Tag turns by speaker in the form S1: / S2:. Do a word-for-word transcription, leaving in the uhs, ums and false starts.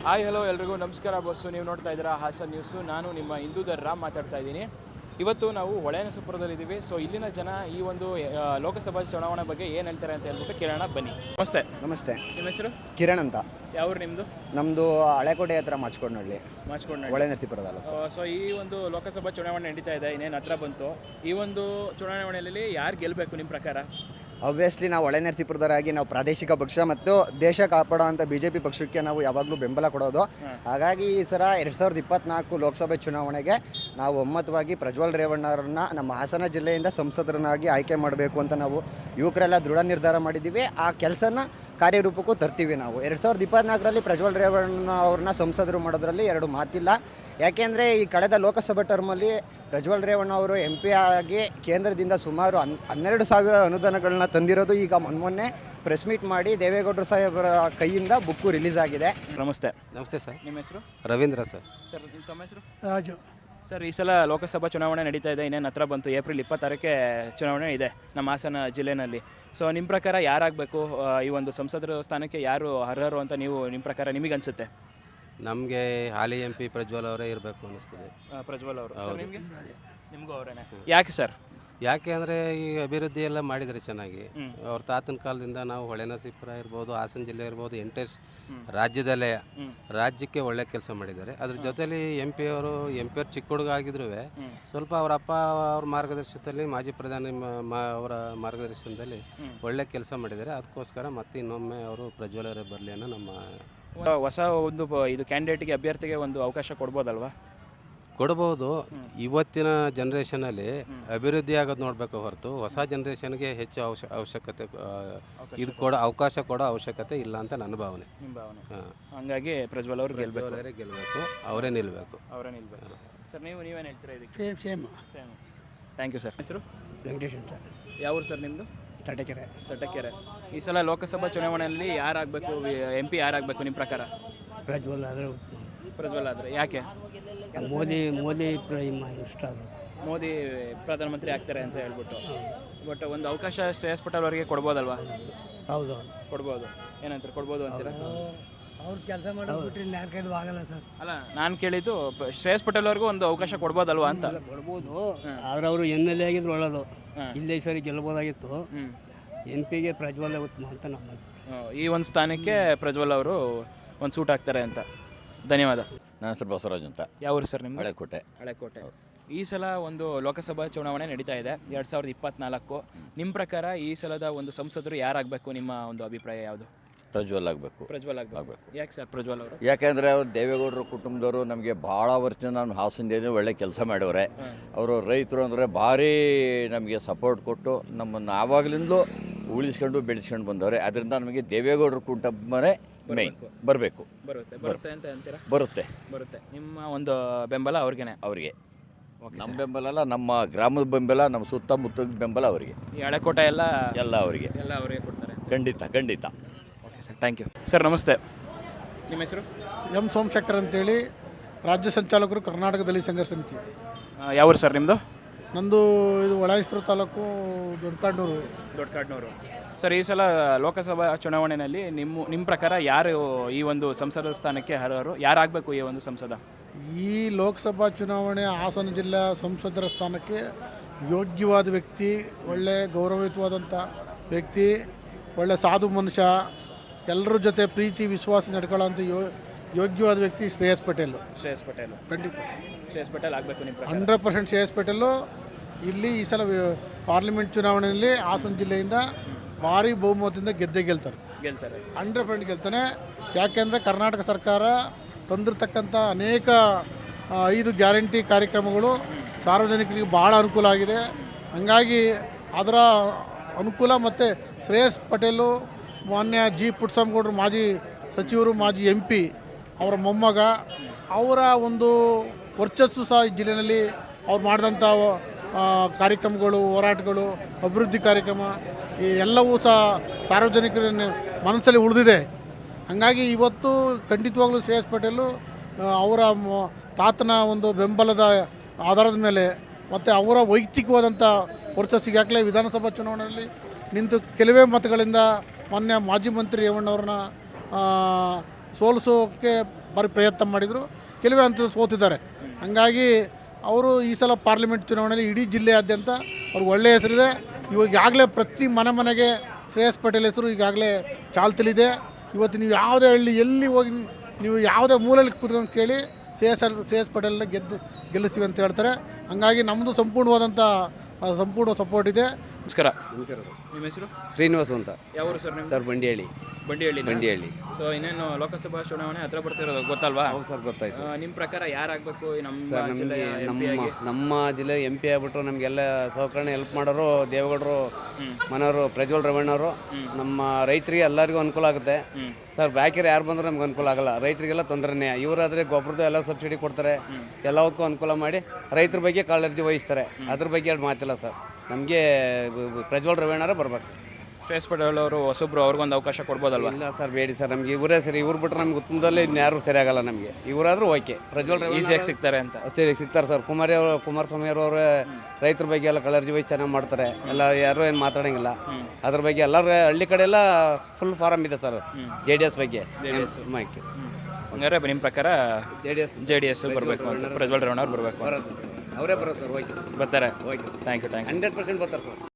S1: Hi hello ಎಲ್ರಿಗೂ ನಮಸ್ಕಾರ bus. ನೀವು ನೋಡ್ತಾ ಇದ್ದೀರಾ ಹಾಸನ್ ನ್ಯೂಸು. ನಾನು ನಿಮ್ಮ ಇಂದೂಧರ್ ರಾಮ್ ಮಾತಾಡ್ತಾ ಇದ್ದೀನಿ. ಇವತ್ತು ನಾವು ಹೊಳೆನರಸೀಪುರದಲ್ಲಿದ್ದೀವಿ. ಸೊ ಇಲ್ಲಿನ ಜನ ಈ ಒಂದು ಲೋಕಸಭಾ ಚುನಾವಣೆ ಬಗ್ಗೆ ಏನು ಹೇಳ್ತಾರೆ ಅಂತ ಹೇಳ್ಬಿಟ್ಟು ಕೇಳೋಣ ಬನ್ನಿ. ನಮಸ್ತೆ.
S2: ನಮಸ್ತೆ.
S1: ನಿಮ್ಮ ಹೆಸರು?
S2: ಕಿರಣ್ ಅಂತ.
S1: ಯಾವ್ರು ನಿಮ್ಮದು?
S2: ನಮ್ಮದು ಹಳೆಕೋಟೆ ಹತ್ರ ಮಾಚ್ಕೊಂಡಳ್ಳಿ,
S1: ಮಾಚ್ಕೊಂಡ
S2: ಹೊಳೆನರಸೀಪುರ ತಾಲೂಕು.
S1: ಸೊ ಈ ಒಂದು ಲೋಕಸಭಾ ಚುನಾವಣೆ ನಡೀತಾ ಇದೆ, ಇನ್ನೇನು ಹತ್ರ ಬಂತು. ಈ ಒಂದು ಚುನಾವಣೆಯಲ್ಲಿ ಯಾರು ಗೆಲ್ಲಬೇಕು ನಿಮ್ಮ ಪ್ರಕಾರ?
S2: ಆಬ್ವಿಯಸ್ಲಿ ನಾವು ಹೊಳೆನರಸೀಪುರದವರಾಗಿ ನಾವು ಪ್ರಾದೇಶಿಕ ಪಕ್ಷ ಮತ್ತು ದೇಶ ಕಾಪಾಡುವಂಥ ಬಿ ಜೆ ಪಿ ಪಕ್ಷಕ್ಕೆ ನಾವು ಯಾವಾಗಲೂ ಬೆಂಬಲ ಕೊಡೋದು. ಹಾಗಾಗಿ ಈ ಸಲ ಎರಡು ಸಾವಿರದ ಇಪ್ಪತ್ತ್ನಾಲ್ಕು ಲೋಕಸಭೆ ಚುನಾವಣೆಗೆ ನಾವು ಒಮ್ಮತವಾಗಿ ಪ್ರಜ್ವಲ್ ರೇವಣ್ಣವ್ರನ್ನ ನಮ್ಮ ಹಾಸನ ಜಿಲ್ಲೆಯಿಂದ ಸಂಸದರನ್ನಾಗಿ ಆಯ್ಕೆ ಮಾಡಬೇಕು ಅಂತ ನಾವು ಯುವಕರೆಲ್ಲ ದೃಢ ನಿರ್ಧಾರ ಮಾಡಿದ್ದೀವಿ. ಆ ಕೆಲಸನ ಕಾರ್ಯರೂಪಕ್ಕೂ ತರ್ತೀವಿ. ನಾವು ಎರಡು ಸಾವಿರದ ಇಪ್ಪತ್ತ್ನಾಲ್ಕರಲ್ಲಿ ಪ್ರಜ್ವಲ್ ರೇವಣ್ಣ ಅವ್ರನ್ನ ಸಂಸದರು ಮಾಡೋದ್ರಲ್ಲಿ ಎರಡು ಮಾತಿಲ್ಲ. ಯಾಕೆಂದರೆ ಈ ಕಳೆದ ಲೋಕಸಭಾ ಟರ್ಮಲ್ಲಿ ಪ್ರಜ್ವಲ್ ರೇವಣ್ಣ ಅವರು ಎಂ ಪಿ ಆಗಿ ಕೇಂದ್ರದಿಂದ ಸುಮಾರು ಹನ್ ಹನ್ನೆರಡು ಸಾವಿರ ಅನುದಾನಗಳನ್ನ ತಂದಿರೋದು ಈಗ ಮೊನ್ನೆ ಪ್ರೆಸ್ ಮೀಟ್ ಮಾಡಿ ದೇವೇಗೌಡರು ಸಾಹೇಬರ ಕೈಯಿಂದ ಬುಕ್ಕು ರಿಲೀಸ್ ಆಗಿದೆ.
S1: ನಮಸ್ತೆ.
S3: ನಮಸ್ತೆ ಸರ್.
S1: ನಿಮ್ಮ ಹೆಸರು?
S3: ರವೀಂದ್ರ ಸರ್.
S1: ಸರ್ ನಿಮ್ಮ ತಮ್ಮ ಹೆಸರು?
S4: ರಾಜು.
S1: ಸರ್ ಈ ಸಲ ಲೋಕಸಭಾ ಚುನಾವಣೆ ನಡೀತಾ ಇದೆ, ಇನ್ನೇನು ಹತ್ರ ಬಂತು. ಏಪ್ರಿಲ್ ಇಪ್ಪತ್ತಾರಕ್ಕೆ ಚುನಾವಣೆ ಇದೆ ನಮ್ಮ ಹಾಸನ ಜಿಲ್ಲೆಯಲ್ಲಿ. ಸೊ ನಿಮ್ಮ ಪ್ರಕಾರ ಯಾರಾಗಬೇಕು ಈ ಒಂದು ಸಂಸದರ ಸ್ಥಾನಕ್ಕೆ, ಯಾರು ಅರ್ಹರು ಅಂತ ನೀವು ನಿಮ್ಮ ಪ್ರಕಾರ ನಿಮಗೆ ಅನಿಸುತ್ತೆ?
S3: ನಮಗೆ ಹಾಲಿ ಎಂ ಪಿ ಪ್ರಜ್ವಲ್ ಅವರೇ ಇರಬೇಕು ಅನ್ನಿಸ್ತದೆ.
S1: ಪ್ರಜ್ವಲ್ ಅವರು. ನಿಮಗೆ? ನಿಮಗೂ ಅವರೇನೆ. ಯಾಕೆ ಸರ್?
S3: ಯಾಕೆ ಅಂದರೆ ಈ ಅಭಿವೃದ್ಧಿ ಎಲ್ಲ ಮಾಡಿದರೆ ಚೆನ್ನಾಗಿ. ಅವ್ರ ತಾತನ ಕಾಲದಿಂದ ನಾವು ಹೊಳೆನರಸೀಪುರ ಇರ್ಬೋದು, ಹಾಸನ ಜಿಲ್ಲೆ ಇರ್ಬೋದು, ಎಂಟೆಸ್ ರಾಜ್ಯದಲ್ಲೇ ರಾಜ್ಯಕ್ಕೆ ಒಳ್ಳೆ ಕೆಲಸ ಮಾಡಿದ್ದಾರೆ. ಅದ್ರ ಜೊತೆಲಿ ಎಂ ಪಿ ಅವರು ಎಂ ಪಿ ಅವ್ರು ಚಿಕ್ಕ ಹುಡುಗ ಆಗಿದ್ರೂ ಸ್ವಲ್ಪ ಅವರ ಅಪ್ಪ ಅವ್ರ ಮಾರ್ಗದರ್ಶನದಲ್ಲಿ, ಮಾಜಿ ಪ್ರಧಾನಿ ಅವರ ಮಾರ್ಗದರ್ಶನದಲ್ಲಿ ಒಳ್ಳೆ ಕೆಲಸ ಮಾಡಿದ್ದಾರೆ. ಅದಕ್ಕೋಸ್ಕರ ಮತ್ತೆ ಇನ್ನೊಮ್ಮೆ ಅವರು ಪ್ರಜ್ವಲ್ ಅವರೇ ಬರಲಿ ಅನ್ನೋ ನಮ್ಮ
S1: ಹೊಸ ಒಂದು ಇದು ಕ್ಯಾಂಡಿಡೇಟ್ಗೆ, ಅಭ್ಯರ್ಥಿಗೆ ಒಂದು ಅವಕಾಶ ಕೊಡ್ಬೋದಲ್ವಾ?
S3: ಕೊಡ್ಬೋದು. ಇವತ್ತಿನ ಜನ್ರೇಷನಲ್ಲಿ ಅಭಿವೃದ್ಧಿ ಆಗೋದು ನೋಡಬೇಕು ಹೊರತು ಹೊಸ ಜನ್ರೇಷನ್ಗೆ ಹೆಚ್ಚು ಅವಶ್ಯ ಅವಶ್ಯಕತೆ ಇದು ಕೊಡೋ ಅವಕಾಶ ಕೊಡೋ ಅವಶ್ಯಕತೆ ಇಲ್ಲ ಅಂತ ನನ್ನ ಭಾವನೆ.
S1: ನಿಮ್ಮ ಭಾವನೆ. ಹಾಗಾಗಿ ಪ್ರಜ್ವಲ್ ಅವರು ಗೆಲ್ಲಬೇಕು,
S3: ಅವರೇ ಗೆಲ್ಲಬೇಕು, ಅವರೇ ನಿಲ್ಲಬೇಕು.
S1: ಅವರೇ ನಿಲ್ಲಬೇಕು. ಸರ್ ನೀವು ನೀವೇನು ಹೇಳ್ತೀರಾ ಇದಕ್ಕೆ?
S4: Same same
S1: same. Thank you sir. ಹೆಸರು?
S4: ವೆಂಕಟೇಶ್ ಅಂತ.
S1: ಯಾವ ಊರು ಸರ್ ನಿಮ್ಮದು?
S4: ತಟಕೆರೆ.
S1: ತಟಕೆರೆ. ಈ ಸಲ ಲೋಕಸಭಾ ಚುನಾವಣೆಯಲ್ಲಿ ಯಾರಾಗಬೇಕು, ಎಂ ಪಿ ಯಾರಾಗಬೇಕು ನಿಮ್ಮ ಪ್ರಕಾರ?
S4: ಪ್ರಜ್ವಲ್ ಆದರೆ
S1: ಪ್ರಜ್ವಲ್ ಆದರೆ. ಯಾಕೆ?
S4: ಮೋದಿ ಮೋದಿ ಇಷ್ಟ
S1: ಮೋದಿ ಪ್ರಧಾನಮಂತ್ರಿ ಆಗ್ತಾರೆ ಅಂತ ಹೇಳ್ಬಿಟ್ಟು. ಬಟ್ ಒಂದು ಅವಕಾಶ ಶ್ರೇಯಸ್ ಪಟೇಲ್ ಅವರಿಗೆ ಕೊಡ್ಬೋದಲ್ವಾ?
S4: ಹೌದು,
S1: ಕೊಡ್ಬೋದು. ಏನಂತಾರೆ, ಕೊಡ್ಬೋದು ಅಂತೀರಾ?
S4: ಅವ್ರು ಕೆಲಸ ಮಾಡಿಬಿಟ್ರೆ ಯಾರ ಕೈಲೂ ಆಗಲ್ಲ ಸರ್.
S1: ಅಲ್ಲ, ನಾನು ಕೇಳಿದ್ದು ಶ್ರೇಯಸ್ ಪಟೇಲ್ ಅವ್ರಿಗೂ ಒಂದು ಅವಕಾಶ ಕೊಡ್ಬೋದಲ್ವಾ ಅಂತ.
S4: ಕೊಡ್ಬೋದು, ಆದರೆ ಅವರು ಎಮ್ ಎಲ್ ಎ ಆಗಿದ್ರು ಒಳ್ಳೇದು. ಇಲ್ಲೇ ಸರಿ ಗೆಲ್ಬೋದಾಗಿತ್ತು. ಎಂ ಪಿಗೆ ಪ್ರಜ್ವಲ್ ಉತ್ತಮ ಅಂತ ನಮ್ಮ
S1: ಈ ಒಂದು ಸ್ಥಾನಕ್ಕೆ ಪ್ರಜ್ವಲ್ ಅವರು ಒಂದು ಸೂಟ್ ಆಗ್ತಾರೆ ಅಂತ. ಧನ್ಯವಾದ.
S5: ನನ್ನ ಹೆಸರು ಬಸವರಾಜ್ ಅಂತ.
S1: ಯಾವ ಊರು ಸರ್ ನಿಮ್ದು?
S5: ಹಳೆಕೋಟೆ.
S1: ಹಳೆಕೋಟೆ. ಈ ಸಲ ಒಂದು ಲೋಕಸಭಾ ಚುನಾವಣೆ ನಡೀತಾ ಇದೆ, ಎರಡು ಸಾವಿರದ ಇಪ್ಪತ್ತ್ನಾಲ್ಕು. ನಿಮ್ಮ ಪ್ರಕಾರ ಈ ಸಲದ ಒಂದು ಸಂಸದರು ಯಾರಾಗಬೇಕು? ನಿಮ್ಮ ಒಂದು ಅಭಿಪ್ರಾಯ ಯಾವುದು?
S5: ಪ್ರಜ್ವಲ್ ಆಗಬೇಕು.
S1: ಪ್ರಜ್ವಲ್ ಆಗಬೇಕು. ಯಾಕೆ ಸರ್ ಪ್ರಜ್ವಲ್ ಅವರು?
S5: ಯಾಕೆಂದರೆ ಅವರು ದೇವೇಗೌಡರ ಕುಟುಂಬದವರು ನಮಗೆ ಭಾಳ ವರ್ಷದಿಂದ ನಮ್ಮ ಹಾಸನದಲ್ಲಿ ಒಳ್ಳೆ ಕೆಲಸ ಮಾಡವ್ರೆ. ಅವರು ರೈತರು ಅಂದರೆ ಭಾರಿ ನಮಗೆ ಸಪೋರ್ಟ್ ಕೊಟ್ಟು ನಮ್ಮನ್ನು ಆವಾಗಲಿಂದಲೂ ಉಳಿಸ್ಕೊಂಡು ಬೆಳೆಸ್ಕೊಂಡು ಬಂದವ್ರೆ. ಅದರಿಂದ ನಮಗೆ ದೇವೇಗೌಡರ ಕುಟುಂಬನೇ ಮೇಯ್ನ್ ಬರಬೇಕು.
S1: ಬರುತ್ತೆ ಬರುತ್ತೆ ಅಂತ ಅಂತೀರಾ?
S5: ಬರುತ್ತೆ
S1: ಬರುತ್ತೆ. ನಿಮ್ಮ ಒಂದು ಬೆಂಬಲ ಅವ್ರಿಗೇನೆ?
S5: ಅವರಿಗೆ. ನಮ್ಮ ಬೆಂಬಲ ಅಲ್ಲ, ನಮ್ಮ ಗ್ರಾಮದ ಬೆಂಬಲ, ನಮ್ಮ ಸುತ್ತಮುತ್ತ ಬೆಂಬಲ ಅವರಿಗೆ.
S1: ಈ ಹಳೆಕೋಟೆ ಎಲ್ಲ
S5: ಎಲ್ಲ ಅವರಿಗೆ
S1: ಎಲ್ಲ ಅವರಿಗೆ ಕೊಡ್ತಾರೆ.
S5: ಖಂಡಿತ ಖಂಡಿತ.
S1: Okay sir, thank you. Sir ನಮಸ್ತೆ. ನಿಮ್ಮ ಹೆಸರು?
S6: ಎಂ ಸೋಮಶೇಖರ್ ಅಂತೇಳಿ, ರಾಜ್ಯ ಸಂಚಾಲಕರು ಕರ್ನಾಟಕ ದಲಿತ ಸಂಘರ್ಷ ಸಮಿತಿ.
S1: ಯಾವ ಸರ್ ನಿಮ್ಮದು?
S6: ನಂದು ಇದು ಹೊಳೆನರಸೀಪುರ ತಾಲೂಕು, ದೊಡ್ಡಕಾಡ್ನೂರು.
S1: ದೊಡ್ಡಕಾಡ್ನೂರು. ಸರ್ ಈ ಸಲ ಲೋಕಸಭಾ ಚುನಾವಣೆಯಲ್ಲಿ ನಿಮ್ಮ ನಿಮ್ಮ ಪ್ರಕಾರ ಯಾರು ಈ ಒಂದು ಸಂಸದ ಸ್ಥಾನಕ್ಕೆ ಅರ್ಹರು? ಯಾರಾಗಬೇಕು ಈ ಒಂದು ಸಂಸದ?
S6: ಈ ಲೋಕಸಭಾ ಚುನಾವಣೆ ಹಾಸನ ಜಿಲ್ಲೆಯ ಸಂಸದರ ಸ್ಥಾನಕ್ಕೆ ಯೋಗ್ಯವಾದ ವ್ಯಕ್ತಿ, ಒಳ್ಳೆ ಗೌರವಯುತವಾದಂಥ ವ್ಯಕ್ತಿ, ಒಳ್ಳೆ ಸಾಧು ಮನುಷ್ಯ, ಎಲ್ಲರ ಜೊತೆ ಪ್ರೀತಿ ವಿಶ್ವಾಸ ನಡ್ಕೊಳ್ಳೋಂಥ ಯೋ ಯೋಗ್ಯವಾದ ವ್ಯಕ್ತಿ ಶ್ರೇಯಸ್ ಪಟೇಲ್.
S1: ಶ್ರೇಯಸ್ ಪಟೇಲ್
S6: ಖಂಡಿತ
S1: ಶ್ರೇಯಸ್ ಪಟೇಲ್ ಆಗಬೇಕು ನಿಮ್ಮ ಪ್ರಕಾರ?
S6: ಹಂಡ್ರೆಡ್ ಪರ್ಸೆಂಟ್ ಶ್ರೇಯಸ್ ಪಟೇಲು ಇಲ್ಲಿ ಈ ಸಲ ಪಾರ್ಲಿಮೆಂಟ್ ಚುನಾವಣೆಯಲ್ಲಿ ಹಾಸನ ಜಿಲ್ಲೆಯಿಂದ ಭಾರಿ ಬಹುಮತದಿಂದ ಗೆದ್ದೇ ಗೆಲ್ತಾರೆ.
S1: ಗೆಲ್ತಾರೆ.
S6: ಹಂಡ್ರೆಡ್ ಪರ್ಸೆಂಟ್ ಗೆಲ್ತಾನೆ. ಯಾಕೆಂದರೆ ಕರ್ನಾಟಕ ಸರ್ಕಾರ ತಂದಿರತಕ್ಕಂಥ ಅನೇಕ ಐದು ಗ್ಯಾರಂಟಿ ಕಾರ್ಯಕ್ರಮಗಳು ಸಾರ್ವಜನಿಕರಿಗೆ ಭಾಳ ಅನುಕೂಲ ಆಗಿದೆ. ಹಾಗಾಗಿ ಅದರ ಅನುಕೂಲ ಮತ್ತು ಶ್ರೇಯಸ್ ಪಟೇಲು, ಮಾನ್ಯ ಜಿ ಪುಟ್ಟಸ್ವಾಮಿಗೌಡರು ಮಾಜಿ ಸಚಿವರು, ಮಾಜಿ ಎಂ ಪಿ, ಅವರ ಮೊಮ್ಮಗ, ಅವರ ಒಂದು ವರ್ಚಸ್ಸು ಸಹ ಈ ಜಿಲ್ಲೆಯಲ್ಲಿ ಅವ್ರು ಮಾಡಿದಂಥ ಕಾರ್ಯಕ್ರಮಗಳು, ಹೋರಾಟಗಳು, ಅಭಿವೃದ್ಧಿ ಕಾರ್ಯಕ್ರಮ ಈ ಎಲ್ಲವೂ ಸಹ ಸಾರ್ವಜನಿಕರ ಮನಸ್ಸಲ್ಲಿ ಉಳಿದಿದೆ. ಹಾಗಾಗಿ ಇವತ್ತು ಖಂಡಿತವಾಗ್ಲೂ ಶ್ರೇಯಸ್ ಪಟೇಲು ಅವರ ತಾತನ ಒಂದು ಬೆಂಬಲದ ಆಧಾರದ ಮೇಲೆ ಮತ್ತು ಅವರ ವೈಯಕ್ತಿಕವಾದಂಥ ವರ್ಚಸ್ಸಿಗೆ ಆಗಲೇ ವಿಧಾನಸಭಾ ಚುನಾವಣೆಯಲ್ಲಿ ನಿಂತು ಕೆಲವೇ ಮತಗಳಿಂದ ಮಾನ್ಯ ಮಾಜಿ ಮಂತ್ರಿ ರೇವಣ್ಣವ್ರನ್ನ ಸೋಲಿಸೋಕ್ಕೆ ಭಾರಿ ಪ್ರಯತ್ನ ಮಾಡಿದರು, ಕೆಲವೇ ಅಂತ ಸೋತಿದ್ದಾರೆ. ಹಾಗಾಗಿ ಅವರು ಈ ಸಲ ಪಾರ್ಲಿಮೆಂಟ್ ಚುನಾವಣೆಯಲ್ಲಿ ಇಡೀ ಜಿಲ್ಲೆಯಾದ್ಯಂತ ಅವ್ರಿಗೆ ಒಳ್ಳೆಯ ಹೆಸರಿದೆ. ಇವಾಗ ಈಗಾಗಲೇ ಪ್ರತಿ ಮನೆ ಮನೆಗೆ ಶ್ರೇಯಸ್ ಪಟೇಲ್ ಹೆಸರು ಈಗಾಗಲೇ ಚಾಲ್ತಿಲಿದೆ. ಇವತ್ತು ನೀವು ಯಾವುದೇ ಹಳ್ಳಿ ಎಲ್ಲಿ ಹೋಗಿ ನೀವು ಯಾವುದೇ ಮೂಲೆಯಲ್ಲಿ ಕೂತ್ಕೊಂಡು ಕೇಳಿ ಶ್ರೇಯಸ್ ಶ್ರೇಯಸ್ ಪಟೇಲ್ನ ಗೆದ್ದು ಗೆಲ್ಲಿಸ್ತೀವಿ ಅಂತ ಹೇಳ್ತಾರೆ. ಹಾಗಾಗಿ ನಮ್ಮದು ಸಂಪೂರ್ಣವಾದಂಥ ಸಂಪೂರ್ಣ ಸಪೋರ್ಟ್ ಇದೆ.
S1: ನಮಸ್ಕಾರ.
S3: ನಮಸ್ಕಾರ
S1: ನಿಮ್ಮ ಹೆಸರು?
S3: ಶ್ರೀನಿವಾಸ ಅಂತ
S1: ಯಾವ ಊರು ಸರ್? ನಿಮ್ಮ
S3: ಸರ್ ಬಂಡಿಹಳ್ಳಿ.
S1: ಬಂಡಿಹಳ್ಳಿ.
S3: ಬಂಡಿಹಳ್ಳಿ.
S1: ಸೊ ಇನ್ನೇನು ಲೋಕಸಭಾ ಚುನಾವಣೆ ಹತ್ರ ಬರ್ತಿರೋದು ಗೊತ್ತಲ್ವಾ?
S3: ಹೌದು ಸರ್, ಗೊತ್ತಾಯ್ತು.
S1: ನಿಮ್ಮ ಪ್ರಕಾರ ಯಾರಾಗಬೇಕು ನಮ್ಮ
S3: ಸರ್
S1: ಜಿಲ್ಲೆಯ
S3: ನಮಗೆ
S1: ಎಂ ಪಿ
S3: ನಮ್ಮ
S1: ಆಗಿ?
S3: ನಮ್ಮ ಜಿಲ್ಲೆ ಎಂ ಪಿ ಆಗ್ಬಿಟ್ರು ನಮಗೆಲ್ಲ ಸೌಕರ್ಯ ಹೆಲ್ಪ್ ಮಾಡೋರು ದೇವೇಗೌಡರು, ಮನೆಯವರು, ಪ್ರಜ್ವಲ್ ರೇವಣ್ಣವರು. ನಮ್ಮ ರೈತರಿಗೆ ಎಲ್ಲರಿಗೂ ಅನುಕೂಲ ಆಗುತ್ತೆ ಸರ್. ಬ್ಯಾಕಿರು ಯಾರು ಬಂದರೂ ನಮ್ಗೆ ಅನುಕೂಲ ಆಗಲ್ಲ, ರೈತರಿಗೆಲ್ಲ ತೊಂದರೆನೇ. ಇವರಾದರೆ ಗೊಬ್ಬರದ ಎಲ್ಲ ಸಬ್ಸಿಡಿ ಕೊಡ್ತಾರೆ, ಎಲ್ಲದಕ್ಕೂ ಅನುಕೂಲ ಮಾಡಿ ರೈತರ ಬಗ್ಗೆ ಕಾಳಜಿ ವಹಿಸ್ತಾರೆ. ಅದ್ರ ಬಗ್ಗೆ ಎರಡು ಮಾತಿಲ್ಲ ಸರ್. ನಮಗೆ ಪ್ರಜ್ವಲ್ ರೇವಣ್ಣರೇ ಬರ್ಬೇಕು.
S1: ಶ್ರೇಯಸ್ ಪಟೇಲ್ ಅವರು ಹೊಸಬ್ರು, ಅವ್ರಿಗೊಂದು ಅವಕಾಶ ಕೊಡ್ಬೋದಲ್ವಾ?
S3: ಇಲ್ಲ ಸರ್, ಬೇಡಿ ಸರ್. ನಮ್ಗೆ ಇವರೇ ಸರಿ. ಇವ್ರು ಬಿಟ್ಟರೆ ನಮ್ಗೆ ಉತ್ತಮದಲ್ಲಿ ಇನ್ಯಾರು ಸರಿ ಆಗಲ್ಲ ನಮಗೆ. ಇವರಾದರೂ ಓಕೆ. ಪ್ರಜ್ವಲ್ ರೇವಣ್ಣ
S1: ಈಸಿಯಾಗಿ ಸಿಗ್ತಾರೆ ಅಂತ.
S3: ಸರಿ ಸಿಗ್ತಾರೆ ಸರ್. ಕುಮಾರಿ ಅವರು ಕುಮಾರಸ್ವಾಮಿ ಅವರು ರೈತರ ಬಗ್ಗೆ ಎಲ್ಲ ಕಾಳಜಿ ವಹಿಸಿ ಚೆನ್ನಾಗಿ ಮಾಡ್ತಾರೆ. ಎಲ್ಲ ಯಾರು ಏನು ಮಾತಾಡೋಂಗಿಲ್ಲ ಅದ್ರ ಬಗ್ಗೆ. ಎಲ್ಲರೂ ಹಳ್ಳಿ ಕಡೆ ಎಲ್ಲ ಫುಲ್ ಫಾರಮ್ ಇದೆ ಸರ್ ಜೆ ಡಿ ಎಸ್ ಬಗ್ಗೆ. ಮಾಹಿತಿ
S1: ಹಂಗಾರೆ ನಿಮ್ಮ ಪ್ರಕಾರ
S3: J D S
S1: J D S ಬರಬೇಕು ಅಂತ, ಪ್ರಜ್ವಲ್ ರೇವಣ್ಣ ಅವ್ರು ಬರಬೇಕು,
S3: ಅವರೇ ಬರೋದು ಸರ್. ಓಕೆ,
S1: ಬರ್ತಾರೆ.
S3: Okay,
S1: thank you thank you
S3: hundred percent ಬರ್ತಾರೆ ಸರ್.